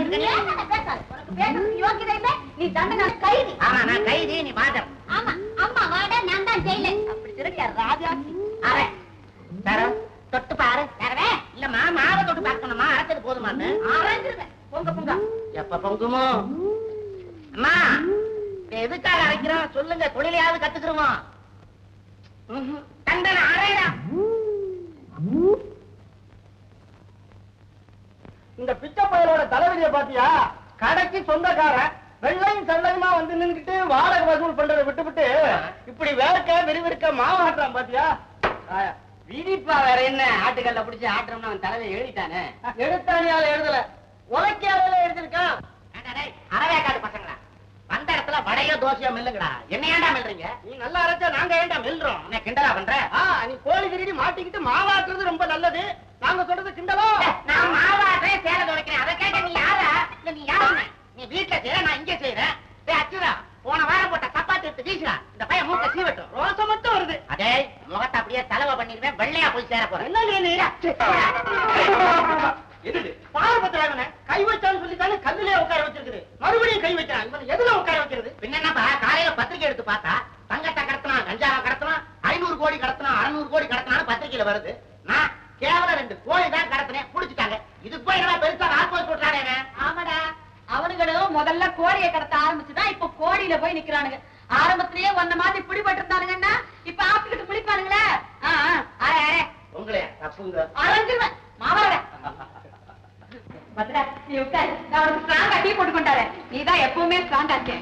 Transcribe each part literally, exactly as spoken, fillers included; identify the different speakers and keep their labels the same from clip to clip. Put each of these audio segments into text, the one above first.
Speaker 1: நீ தண்டனை கைதி.
Speaker 2: ஆமா நான் கைதி, நீ வாடர்.
Speaker 1: ஆமா அம்மா வாடர், நான் தான் ஜெயில. அப்படி சொல்லியா ராஜாச்சி?
Speaker 2: அரே சாரோ தொட்டு பாரு. தரவே இல்லம்மா, மாவை தொட்டு பார்க்கணுமா? அரைச்சது போதுமான்னு
Speaker 1: அரைஞ்சிருவேன். பொங்க பொங்க
Speaker 2: எப்ப பொங்குமோ? அம்மா எதுக்காக அரைக்கிறோம் சொல்லுங்க, தொழிலையாவது கத்துக்கிறோம். தண்டனை அரைடா.
Speaker 3: இந்த பிச்சை பயலோட தலைவலியை பாத்தியா? கடைக்கு சொந்தக்காரன் வெள்ளையும் சல்லையுமா வந்து நின்னுக்கிட்டு வாடகை வசூல் பண்றதை விட்டுவிட்டு இப்படி வேர்க்க விறுவிறுக்க மாவாட்டுறான் பாத்தியா?
Speaker 2: விதிப்பா வேற என்ன? ஆட்டுக்கல்ல பிடிச்சி ஆட்டுறோம்னு அவன் தலைவை எழுதிட்டானே.
Speaker 3: எடுத்தானியால எழுதல, உலக்கையால எழுதிருக்கான்.
Speaker 2: அறவேக்காடு பசங்களா, வந்த இடத்துல வடையோ தோசையோ மில்லுங்கடா. என்ன ஏண்டா மில்றீங்க?
Speaker 3: நீ நல்லா அரைச்சா நாங்க ஏண்டா மில்றோம்?
Speaker 2: என்ன கிண்டலா பண்ற?
Speaker 3: நீ கோழி திருடி மாட்டிக்கிட்டு மாவாக்குறது ரொம்ப நல்லது. நாங்க சொல்றது கிண்டலோ?
Speaker 2: நான் மாவாட்டுறேன், சேலை துடைக்கிறேன். அதை கேட்க நீ யாரா? இல்ல நீ யாருன்னு? நீ வீட்டுல செய்யற, நான் இங்க செய்யறேன். அச்சுதா போன வாரம் போட்ட சப்பாத்தி எடுத்து வீசுறா. இந்த பையன் மூக்க சீவட்டும்.
Speaker 3: ரோசம் மட்டும் வருது.
Speaker 2: அதே முகத்தை அப்படியே தலைவ பண்ணிருவேன், வெள்ளையா போய் சேர போறேன்.
Speaker 3: என்ன நீ என்னது பாரபத்திராகன கை வச்சான்னு சொல்லித்தானே கல்லுலயே உட்கார வச்சிருக்குது. மறுபடியும் கை வச்சான். இவன் எதுல உட்கார வைக்கிறது?
Speaker 2: பின்னப்பா காலையில பத்திரிக்கை எடுத்து பார்த்தா தங்கத்தை கடத்தினா, கஞ்சாவை கடத்தினா, ஐநூறு கோடி கடத்தினா, அறுநூறு கோடி கடத்தினான்னு பத்திரிக்கையில வருது. நான் கேவலம் ரெண்டு கோழி தான் கடத்தினேன், புடிச்சுட்டாங்க. இது போய் என்ன பெருசா ஆத்மோஸ் போட்டானே?
Speaker 1: ஆமாடா, அவனுங்களும் முதல்ல கோழியை கடத்த ஆரம்பிச்சுதான் இப்ப கோழியில போய் நிக்கிறானுங்க. ஆரம்பத்திலேயே ஒன்ன மாதிரி பிடிபட்டு இருந்தானுங்கன்னா இப்ப ஆப்பிக்கிட்டு பிடிப்பானுங்களே.
Speaker 2: உங்களே தப்புங்க.
Speaker 1: அரைஞ்சிருவேன் மாவாட. பத்ரா நீ உட்காரு, நான் உனக்கு ஸ்ட்ராங்கா டீ போட்டு கொண்டாரு. நீதான் எப்பவுமே ஸ்ட்ராங்கா இருக்கேன்.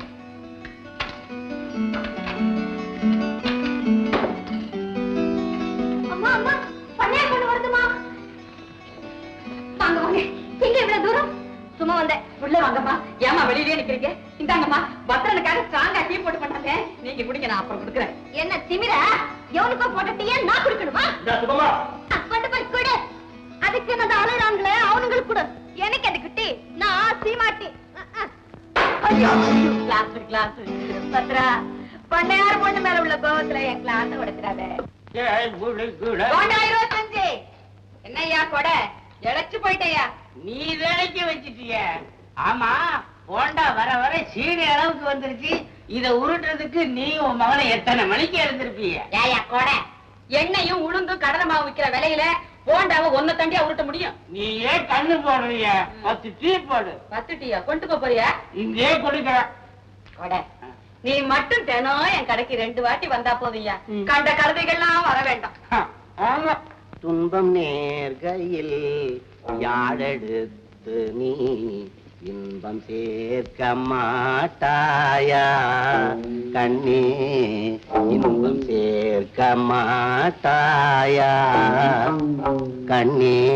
Speaker 1: அம்மா அம்மா பண்ணையா கொண்டு வருதுமா. வாங்க வாங்க, எங்க இவ்வளவு தூரம்? சும்மா வந்தேன். உள்ள வாங்கம்மா. ஏமா வெளியிலே நிக்கிறீங்க? இந்தாங்கம்மா, பத்ரனுக்காக ஸ்ட்ராங்கா டீ போட்டு பண்ணாங்க. நீங்க குடிங்க, நான் அப்புறம் குடுக்குறேன். என்ன திமிரா? எவனுக்கோ போட்ட டீயை நான் குடிக்கணுமா? கொண்டு போய் கொடு. அதுக்கு என்னது அழுறாங்களே, அவனுங்களுக்கு கொடு. எனக்கு அதுக்கு டீ, நான் சீமாட்டி. ஐயோ கிளாஸ் கிளாஸ். பத்ரா பண்ணையார் பொண்ணு மேல உள்ள கோவத்துல என் கிளாஸ் உடைச்சிடாத. இருபத்தஞ்சு என்னையா கொடை இழைச்சு போயிட்டயா?
Speaker 2: நீ வேலைக்கு வச்சிட்டிய. ஆமா போண்டா வர வர சீனி அளவுக்கு வந்துருச்சு. இத உருட்டுறதுக்கு நீ உன் மகனை எத்தனை மணிக்கு எழுந்திருப்பீங்க?
Speaker 1: ஏயா கொடை, எண்ணெயும் உளுந்தும் கடலை மாவு விக்கிற விலையில போண்டாவை ஒன்ன தண்டியா உருட்ட முடியும்?
Speaker 2: நீ ஏன் கண்ணு போடுறிய? பத்து டீ போடு.
Speaker 1: பத்து டீயா கொண்டு போறியா?
Speaker 2: இங்கே கொடுக்க
Speaker 1: கொடை, நீ மட்டும் தினம் என் கடைக்கு ரெண்டு வாட்டி வந்தா போதியா? கண்ட கழுதைகள்லாம் வர வேண்டாம்.
Speaker 2: ஆமா, துன்பம் நேர்கையில் யாழெடுத்து நீ இன்பம் சேர்க்க மாட்டாயா கண்ணே, இன்பம் சேர்க்க மாட்டாயா கண்ணே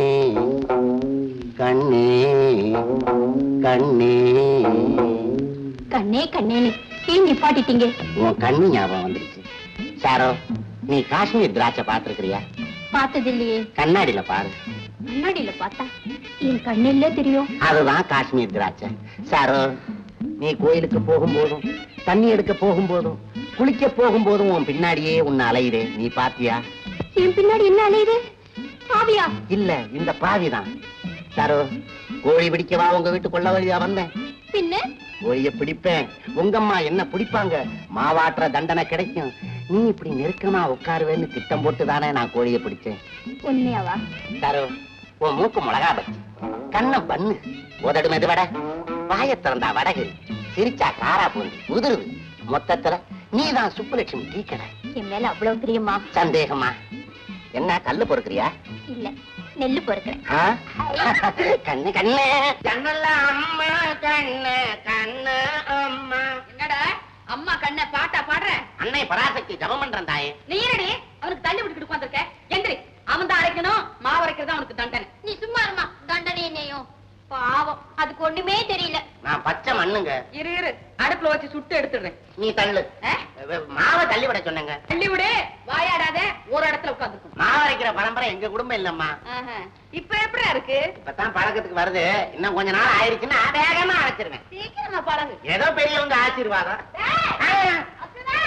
Speaker 2: கண்ணே கண்ணே
Speaker 1: கண்ணே கண்ணே ஏன் நிப்பாட்டிட்டீங்க?
Speaker 2: உன் கண்ணு ஞாபகம் வந்துருச்சு. சாரோ, நீ காஷ்மீர் திராட்சை பாத்துருக்கிறியா?
Speaker 1: பார்த்தது இல்லையே.
Speaker 2: கண்ணாடியில பாரு.
Speaker 1: கண்ணாடியில பார்த்தா என் கண்ணிலே தெரியும்.
Speaker 2: அதுதான் காஷ்மீர் திராட்சை. சாரோ, நீ கோயிலுக்கு போகும்போதும், தண்ணி எடுக்க போகும்போதும், குளிக்க போகும்போதும் உன் பின்னாடியே உன்னை அலையுதே, நீ பாத்தியா?
Speaker 1: என் பின்னாடி என்ன அலையுது? பாவியா?
Speaker 2: இல்ல, இந்த பாவிதான். சாரோ, கோழி பிடிக்கவா உங்க வீட்டு கொள்ள வழியா வந்தேன்?
Speaker 1: பின்ன
Speaker 2: கோழிய பிடிப்பேன், உங்கம்மா என்ன பிடிப்பாங்க, மாவாற்ற தண்டனை கிடைக்கும். நீ இப்படி நெருக்கமா உட்காருவேன்னு திட்டம் போட்டுதானே நான் கோழிய பிடிச்சேன்.
Speaker 1: உண்மையாவா?
Speaker 2: சாரோ, உன் மூக்கு மிளகா பச்சி, கண்ண பண்ணு, உதடு மெது வட, வாய திறந்தா வடகு, சிரிச்சா காரா பூந்து உதிருது. மொத்தத்துல நீதான் சுப்புலட்சுமி டீ கடை.
Speaker 1: என் மேல அவ்வளவு பிரியமா?
Speaker 2: சந்தேகமா? என்ன கல்லு பொறுக்கிறியா?
Speaker 1: இல்ல, நெல்லு பொறுக்கிறேன்.
Speaker 2: கண்ணு கண்ணு கண்ணல்ல அம்மா, கண்ணு கண்ணு அம்மா.
Speaker 1: என்னடா அம்மா கண்ண பாட்டா பாடுற?
Speaker 2: அன்னை பராசக்தி ஜபம் பண்றேன் தாயே.
Speaker 1: நீ என்னடி அவனுக்கு தள்ளி விட்டுக்கிட்டு உட்கார்ந்திருக்க? எந்திரி, அவன் தான் அரைக்கணும், மாவு அரைக்கிறது அவனுக்கு தண்டனை. நீ சும்மா இருமா. தண்டனை என்னையும் பாவம், அதுக்கு ஒண்ணுமே தெரியல.
Speaker 2: நான் பச்சை மண்ணுங்க.
Speaker 1: இரு இரு, அடுப்புல வச்சு சுட்டு எடுத்துடுறேன்.
Speaker 2: நீ தள்ளு. மாவை தள்ளி விட சொன்னங்க.
Speaker 1: தள்ளி விடு, வாயாடாத, ஒரு இடத்துல உட்கார்ந்து.
Speaker 2: மாவு அரைக்கிற பரம்பரை எங்க குடும்பம் இல்லம்மா.
Speaker 1: இப்ப எப்படியா இருக்கு?
Speaker 2: இப்பதான் பழக்கத்துக்கு வருது. இன்னும் கொஞ்ச நாள் ஆயிடுச்சுன்னா வேகமா அரைச்சிருவேன்.
Speaker 1: சீக்கிரமா பழகு.
Speaker 2: ஏதோ பெரியவங்க ஆசீர்வாதம்.